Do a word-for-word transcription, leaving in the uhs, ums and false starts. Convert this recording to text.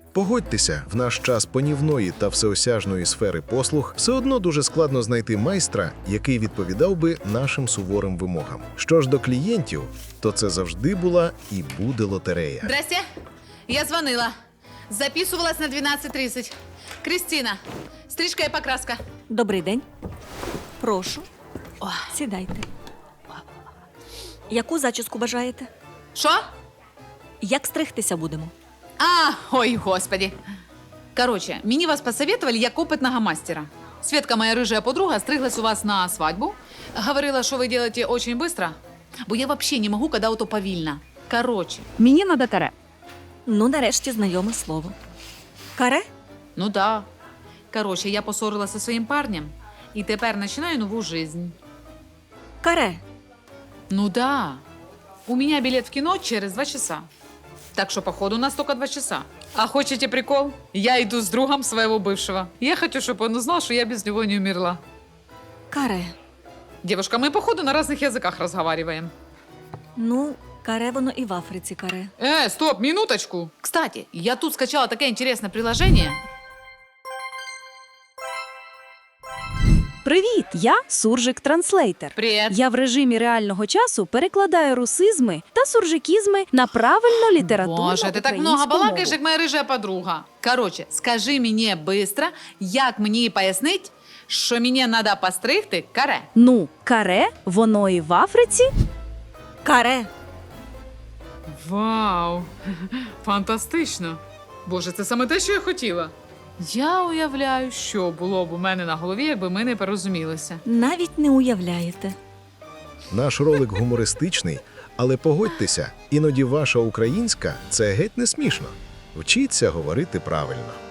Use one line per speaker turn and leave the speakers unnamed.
Погодьтеся, в наш час панівної та всеосяжної сфери послуг все одно дуже складно знайти майстра, який відповідав би нашим суворим вимогам. Що ж до клієнтів, то це завжди була і буде лотерея.
Здрасте. Я звонила. Записывалась на двенадцать тридцать. Кристина, стрижка и покраска.
Добрий день. Прошу,
О,
сідайте. Яку зачіску бажаєте?
Что?
Як стригтися будемо?
А, ой, господи. Короче, мне вас посоветовали як опытного мастера. Светка, моя рыжая подруга, стриглась у вас на свадьбу. Говорила, что вы делаете очень быстро. Бо я вообще не могу, когда ото повільно. Короче,
Мені надо таре.
Ну, нарешті знайоме слово. Каре?
ну да. Короче, я поссорилась со своим парнем и тепер начинаю нову жизнь.
Каре.
Ну да. У меня билет в кино через два часа. Так что, походу, у нас только два часа. А хочете прикол? Я иду с другом своего бывшего. Я хочу, чтобы он узнал, что я без него не умерла.
Каре.
Девушка, мы, походу, на разных языках разговариваем.
Ну, каре воно і в Африці каре.
Э, стоп, минуточку. Кстати, я тут скачала такое интересное приложение.
Привіт, я Суржик Транслейтер.
Привет.
Я в режимі реального часу перекладаю русизми та суржикізми на правильно літературну
Боже, ты так много балакаешь, как моя рыжая подруга. Короче, скажи мне быстро, як мені пояснить, що мені надо постригти каре.
Ну, каре, воно і в Африці.
Каре.
Вау, фантастично. Боже, це саме те, що я хотіла. Я уявляю, що було б у мене на голові, якби ми не порозумілися.
Навіть не уявляєте.
Наш ролик гумористичний, але погодьтеся, іноді ваша українська – це геть не смішно. Вчіться говорити правильно.